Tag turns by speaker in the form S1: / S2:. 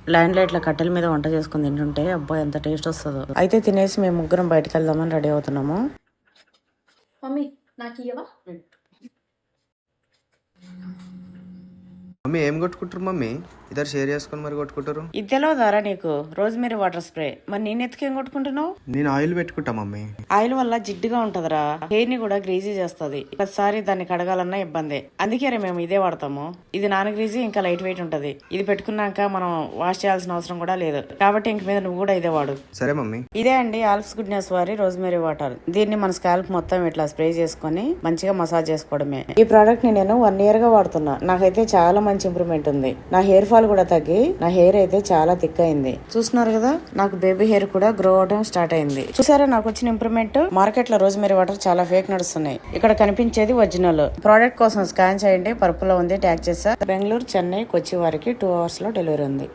S1: Land లైట్ల కట్టెల మీద వంట చేసుకుని తింటుంటే అబ్బా ఎంత టేస్ట్ వస్తుందో. అయితే తినేసి మేము ముగ్గురం బయటకు వెళ్దామని రెడీ అవుతున్నాము.
S2: మమ్మీ నాకు ఇయ్యవా?
S3: మమ్మీ ఏం కొట్టుకుంటారు మమ్మీ? ఇద్దరు షేర్ చేసుకుని మరి కొట్టుకుంటారు.
S1: ఇది తెలియదారా నీకు? Rosemary water spray. మరి నేను ఎత్తుకేం కొట్టుకుంటున్నావు?
S3: నేను ఆయిల్ పెట్టుకుంటా మమ్మీ.
S1: ఆయిల్ వల్ల జిడ్డుగా ఉంటదిరా, హెయిర్ ని కూడా గ్రీజీ చేస్తది. ఒకసారి దాన్ని కడగాలన్నా ఇబ్బంది. అందుకే మేము ఇదే వాడతాము. ఇది నాన్ గ్రీజీ, ఇంకా లైట్ వెయిట్ ఉంటది. ఇది పెట్టుకున్నాక మనం వాష్ చేయాల్సిన అవసరం కూడా లేదు. కాబట్టి ఇంక మీద నువ్వు కూడా ఇదే వాడు.
S3: సరే మమ్మీ.
S1: ఇదే అండి ఆల్ప్స్ గుడ్నెస్ వారి రోజ్మెరీ వాటర్. దీన్ని మన స్కాల్ప్ మొత్తం ఇట్లా స్ప్రే చేసుకుని మంచిగా మసాజ్ చేసుకోవడమే. ఈ ప్రోడక్ట్ ని నేను 1 year గా వాడుతున్నా. నాకైతే చాలా మంచి ఇంప్రూవ్మెంట్ ఉంది. నా హెయిర్ ఫాల్ కూడా తగ్గి నా హెయిర్ అయితే చాలా థిక్ అయింది. చూస్తున్నారు కదా, నాకు బేబీ హెయిర్ కూడా గ్రో అవడం స్టార్ట్ అయింది. చూసారా నాకు వచ్చిన ఇంప్రూవ్మెంట్? మార్కెట్ లో రోజ్మెరీ వాటర్ చాలా ఫేక్ నడుస్తున్నాయి. ఇక్కడ కనిపించేది ఒరిజినల్. ప్రోడక్ట్ కోసం స్కాన్ చేయండి, పర్పుల్ లో ఉంది, ట్యాగ్ చేస్తా. బెంగళూరు, చెన్నై, కొచ్చి వారికి 2 hours లో డెలివరీ ఉంది.